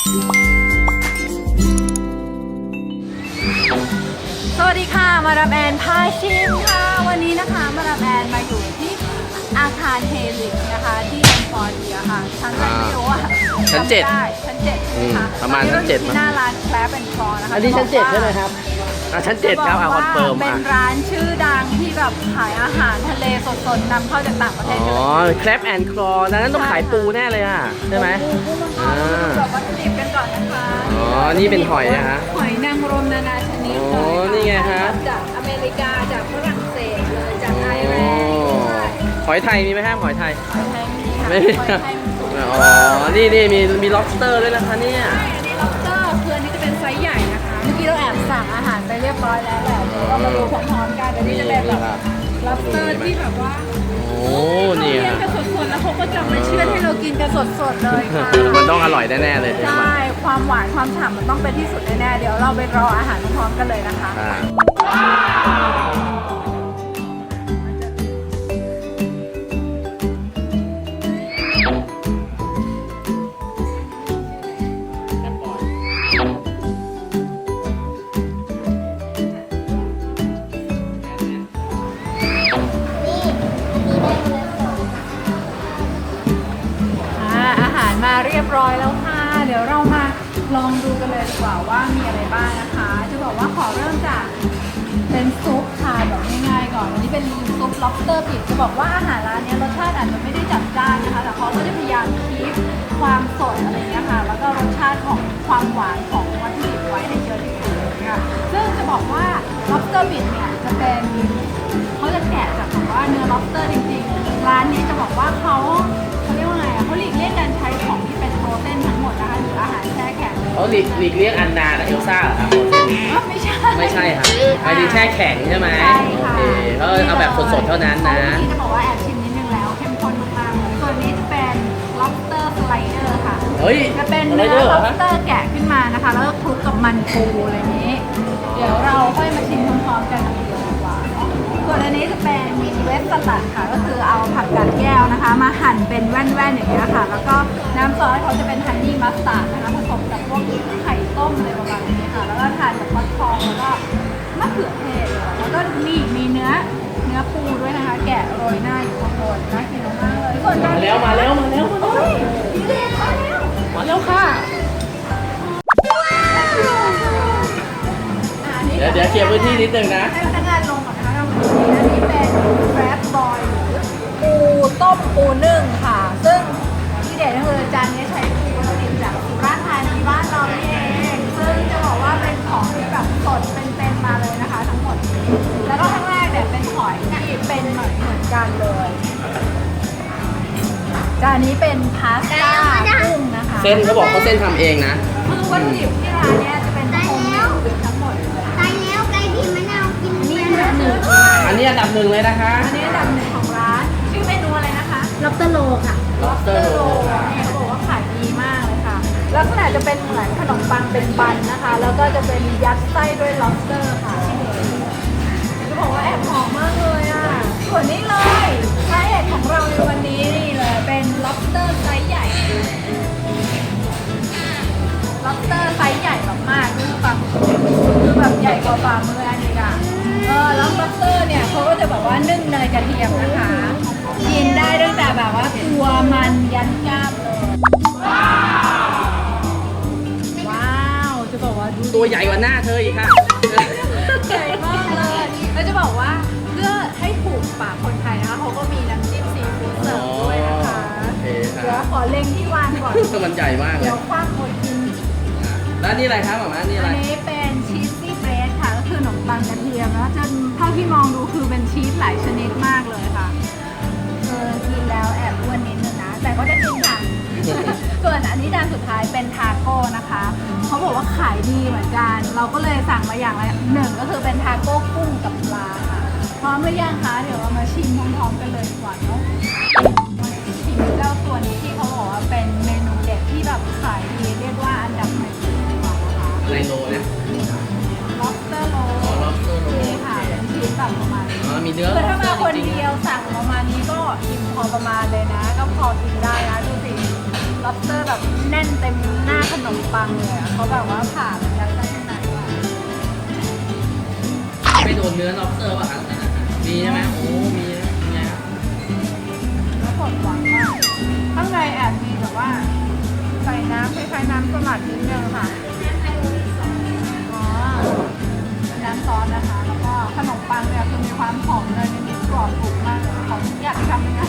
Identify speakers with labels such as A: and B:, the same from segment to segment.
A: สวัสดีค่ะมาดามแอนพาชิมค่ะวันนี้นะคะมาดามแอนมาอยู่ที่อาคารเฮลิกนะคะที่แอนฟอร์เดียค่ะชั้นอะไรไม่รู้อะ
B: ชั้น 7
A: ชั้น7ค่ะ
B: ประมาณชั้น 7
A: ที่หน้าร้านแคลปแอนด์คลอนะคะ
B: อันนี้ชั้น 7ใช่ไหมครับชั้น 7ครับคอนเฟิร์ม
A: เป็นร้านชื่อดังที่แบบขายอาหารทะเลสดๆนำเข้าจากต่างประเทศ
B: แคลปแอนด์คลอนั้นต้องขายปูแน่เลยอ่ะใช่ไหม
A: แบบวัตถุดิบกันก่อนนะคะ
B: นี่เป็นหอยนะฮะ
A: หอยนางรมนานาชนิด
B: นี่ไงฮะ
A: จากอเมริกาจากฝรั่งเศสเลยจากไอร์แลนด์
B: หอยไทยมีไหมครับหอยไทย
A: ไม่มีค่ะ
B: นี่มี lobster ด้วยนะคะเนี่ย
A: อันนี้ lobster คืออันนี้จะเป็นไซส์ใหญ่นะคะเมื่อกี้เราแอบสั่งอาหารไปเรียบร้อยแล้วแหละเดี๋ยวเรามาดูพร้อมๆกันอันนี้จะเป็นแบบ lobster ที่แบบว่า
B: นี่
A: ฮะกันสดๆแล้วเขาก็จะมาเชื่อให้เรากินกันสดๆเลยค่ะ
B: มันต้องอร่อยแน่ๆเลย
A: ใช่ความหวานความฉ่ำมันต้องเป็นที่สุดแน่ๆเดี๋ยวเราไปรออาหารพร้อมๆกันเลยนะคะมาเรียบร้อยแล้วค่ะเดี๋ยวเรามาลองดูกันเลยดีกว่าว่ามีอะไรบ้างนะคะจะบอกว่าขอเริ่มจากเป็นซุปค่ะแบบง่ายๆก่อนอันนี้เป็นซุป lobster ปิดจะบอกว่าอาหารร้านนี้รสชาติอาจจะไม่ได้จัดจ้านนะคะแต่เขาก็จะพยายามคีปความสดอะไรเงี้ยค่ะแล้วก็รสชาติของความหวานของวัตถุดิบไว้ให้เยอะที่สุดเลยค่ะซึ่งจะบอกว่า lobster ปิดเนี่ยจะเป็นเขาจะแกะจากแบบว่าเนื้อ lobster จริงๆร้านนี้จะบอกว่าเขาเรียกว่าไงเขาหลีกเลี่ยงการใช้ของที่เป็นโปรตีนทั้งหมดนะคะหรืออาหารแช่แข็ง
B: เขาหลีกเลี่ยงอันนาและเอลซ่าเหรอครับไม่ใช่ครับไอดีแช่แข็งใช่ไหม
A: ใช่ค่ะ
B: เขาเอาแบบสดๆเท่านั้นนะ
A: ที่จะบอกว่าแอบชิมนิดนึงแล้วเข้มข้นมากๆเลยส่วนนี้จะเป็น lobster slider ค่ะจะเป็นเนื้อ lobster แกะขึ้นมานะคะแล้วก็คลุกกับมันปูอะไรนี้เดี๋ยวเราค่อยมาชิมพร้อมๆกันดีกว่าส่วนอันนี้จะเป็นเวสสลัดค่ะก็คือเอาผักกาดแก้วนะคะมาหั่นเป็นแว่นๆอย่างเงี้ยค่ะแล้วก็น้ำซอสเขาจะเป็นฮันนี่มัสตาร์ดนะคะผสมกับพวกไข่ต้มอะไรประมาณนี้ค่ะแล้วก็ทานกับฟักทองแล้วก็มะเขือเทศแล้วก็นี่มีเนื้อปูด้วยนะคะแกะโรยหน้าอยู่ข้างบนน่ากินมากเลย
B: มาแล้ว
A: มาแล้วค่ะ
B: เดี๋ยวเคลียร์พื้นที่นิดนึงนะ
A: ให้พนักงานลงก่อนนะคะเราอันนี้เป็นแรปบอยปูต้มปูนึ่งค่ะซึ่งที่เด็ดก็คือจานนี้ใช้ปูวัตถุดิบจากสุราษฎร์ธานีบ้านเราเองซึ่งจะบอกว่าเป็นของที่แบบสดเป็นมาเลยนะคะทั้งหมดแล้วก็ข้างแรกเนี่ยเป็นหอยที่เป็นเหมือนกันเลยจานนี้เป็นพาสต้ากุ้งนะคะ
B: เส้นเขาบอกเขาเส้นทำเองนะ
A: คือวัตถุดิบที่ร้านเนี้ยจะเป็นโฮมเมดทั้งหมด
C: ตายแล้วไก่พิมพ์มะนาวกิน
A: นี่อันดับหนึ่ง
B: อันนี้อันดับหนึ่งเลยนะคะ
A: อันนี้อันดับหนึ่งของร้านชื่อเมนูอะไรนะคะ
C: lobster roll ค่ะ
A: lobster roll เนี่ยเขาบอกว่าขายดีมากเลยค่ะลักษณะจะเป็นเหมือนขนมปังเป็นบันนะคะแล้วก็จะเป็นยัดไส้ด้วย lobster ค่ะจะบอกว่าแอบหอมมากเลยอ่ะส่วนนี้เลยสาเหตุของเราในวันนี้นี่เลยเป็น lobster ไซส์ใหญ่ lobster ไซส์ใหญ่แบบมากคือแบบใหญ่กว่าฝ่ามืออันนี้อ่ะแล้ว lobster เนี่ยเขาก็จะแบบว่านึ่งเนยกระเทียมนะคะกินได้ตั้งแต่แบบว่าตัวมันยันกล้ามเลยว้าวจะบอกว่า
B: ตัวใหญ่กว่าหน้าเธออีกค่ะ
A: ใหญ่มากเลยแล้วจะบอกว่าเพื่อให้ถูกปากคนไทยนะคะเขาก็มีน้ำจิ้มซีฟู้ดเสิร์ฟด้วยนะคะเดี๋ยวขอเล็งที่วางก่อน
B: มันใหญ่มากเลย
A: เดี๋ยวคว้างหมดกิน
B: แล้วนี่อะไรครับหม่านี่อะไร
A: อันนี้เป็นชีสซี่เบรดค่ะก็คือขนมปังกระเทียมแล้วจนเท่าที่มองดูคือเป็นชีสหลายชนิดมากเลยค่ะกินแล้วแอบอ้วนนิดนึงนะแต่ก็จะกินค่ะส่วนอันนี้จานสุดท้ายเป็นทาโก้นะคะเขาบอกว่าขายดีเหมือนกันเราก็เลยสั่งมาอย่างละหนึ่งก็คือเป็นทาโก้กุ้งกับปลาค่ะพร้อมหรือยังคะเดี๋ยวเรามาชิมพร้อมๆกันเลยดีกว่าเนาะชิมเจ้าตัวนี้ที่เขาบอกว่าเป็นเมนูเด็ดที่แบบขายดีเรียกว่าอันดับหนึ่งดีกว่านะคะ
B: อะไรโลนะ
A: lobster roll นี่ค่ะเป็นชิ้นแบบประมาณนี้
B: มีเนื้อ
A: คือถ้ามาคนเดียวสั่งประมาณนี้ก็อิ่มพอประมาณเลยนะก็พอกินได้นะดูสิ lobster แบบแน่นเต็มหน้าขนมปังเลยอะเขาแบบว่าผ่ามันยัดข้างในว่ะ
B: ไม่โดนเนื้อ lobster ป่ะครับมีใช่ไหมโอ้มีนะไงครับ
A: แล้วสดหวานมากข้างในแอบมีแบบว่าใส่น้ำคล้ายๆน้ำสลัดนิดนึงค่ะอ๋อน้ำซอสนะคะ แล้วก็ขนมปังเนี่ยคือมีความหอมเลยนิดๆกรอบกรุบมากเลยของอยากทำเลยนะ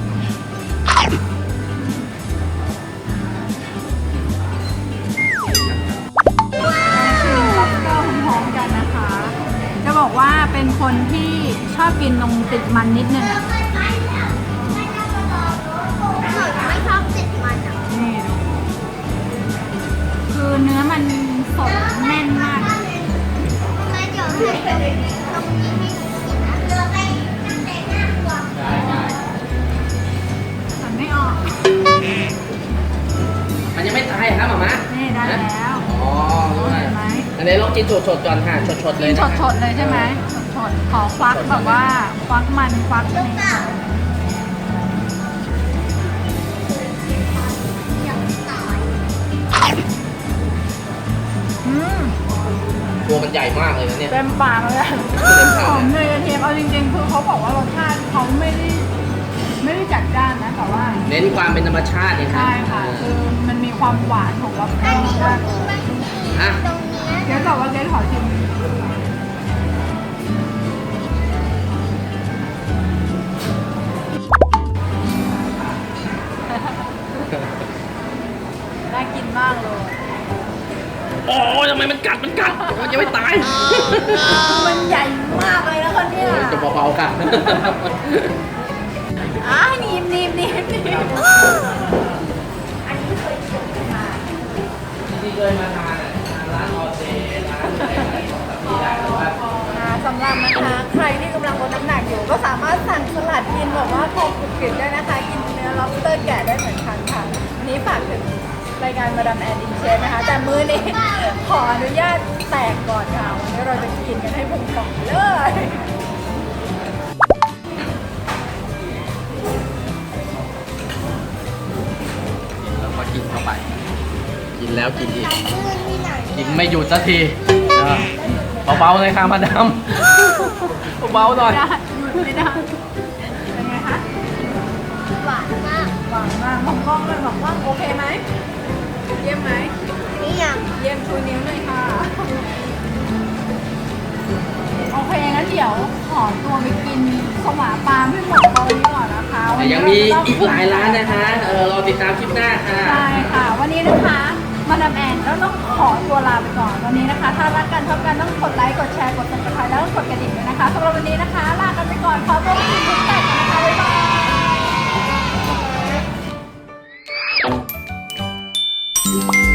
A: พร้อมๆกันนะคะ จะบอกว่าเป็นคนที่ชอบกินนมติดมันนิดนึงอะ
C: ไม่ชอบติดมันอ่ะ
A: นี่ดูคือเนื้อมันสดแน่นมาก
C: ไม่เดี๋ยวให้ตรงนี้ให้กินนะเราไปตั้งแต่หน้าครัว
B: ได้ได้
A: หันไม่ออก
B: มันยังไม่ตายเหรอครับหม่ามะ
A: นี่ได้แล้ว
B: อ๋อรู้ไหม
A: เห็นไหม
B: อันนี้ลองกินสดๆก่อนค่ะสดๆเล
A: กิ
B: ย
A: น
B: นะ
A: สดๆเลยใช่ไหมสดๆขอควักแบบว่าควักมันควักนี่ค่ะ
C: อย่างต่อย
A: อืม
B: ตัวมันใหญ่มากเลยนะเนี่ย
A: เต็มปากเลยอะ
B: เต็มปากเลย
A: หอมเนยกระเทียมเอาจริงๆคือเขาบอกว่ารสชาติเขาไม่ได้จัดจ้านนะแต่ว่า
B: เน้นความเป็นธรรมชาติเนี่ยครับ
A: ใช่ค่ะคือมันมีความหวานของล็อบสเตอร์มากเลย
B: อ่ะ
C: ตรงเนี้ย
A: เดี๋ยวบอกว่าเจ๊ขอชิมน่ากินมากเลย
B: โอ้ยทำไมมันกัดมันยังไม่ตาย
A: มันใหญ่มากเลยนะคนเนี้ย
B: โอ้ยจะเบาๆค่ะ
A: หนีบอันนี้เคยชิมมา
B: ที่เคยมาทานร้านออเซร้านอะไรที่ได้แต่ว่า
A: สำหรับนะคะใครที่กำลังลดน้ำหนักอยู่ก็สามารถสั่งสลัดกินแบบว่าพอกรุบกริบได้นะคะ กินเนื้อ lobster แกะได้เหมือนกันค่ะวันนี้ฝากถึงรายการมาดามแอนดินเชฟนะคะ แต่มื้อนี้ ขออนุญาตแตกก่อนค่ะวันนี้เราจะกินกันให้พุงป่องเลย
B: แล้วก็กินเข้าไป กินแล้วกินอีก
C: ลื่นที่ไหน
B: กินไม่หยุดสักทีเบาๆเลยค่ะมาดามเบาๆหน่อย
A: ได้หยุดไม่ได้เป็นไงคะ
C: หวานมาก
A: หวังมากมองกล้องเลยบอกว่าโอเคไหมเยี่ยมไหม
C: นี่ยัง
A: เยี่ยมชูนิ้วหน่อยค่ะ โอเคงั้นเดี๋ยวขอตัวไปกินสวาปลาให้หมดตรงนี้ก่อนนะคะวัน
B: แต่
A: นี้
B: ยังมี
A: เรจะต้
B: อีกหลายร้านนะคะรอติดตามคลิปหน้าค่ะ
A: ใช่ค่ะ วันนี้นะคะมาดามแอนก็ต้องขอตัวลาไปก่อนวันนี้นะคะ ถ้ารักกันชอบกันต้องกดไลค์กดแชร์กดติดตามแล้วก็กดกระดิ่งด้วยนะคะสำหรับวันนี้นะคะ ลากันไปก่อนขอตัวไปกินทุกแต่กันนะคะบ๊ายบาย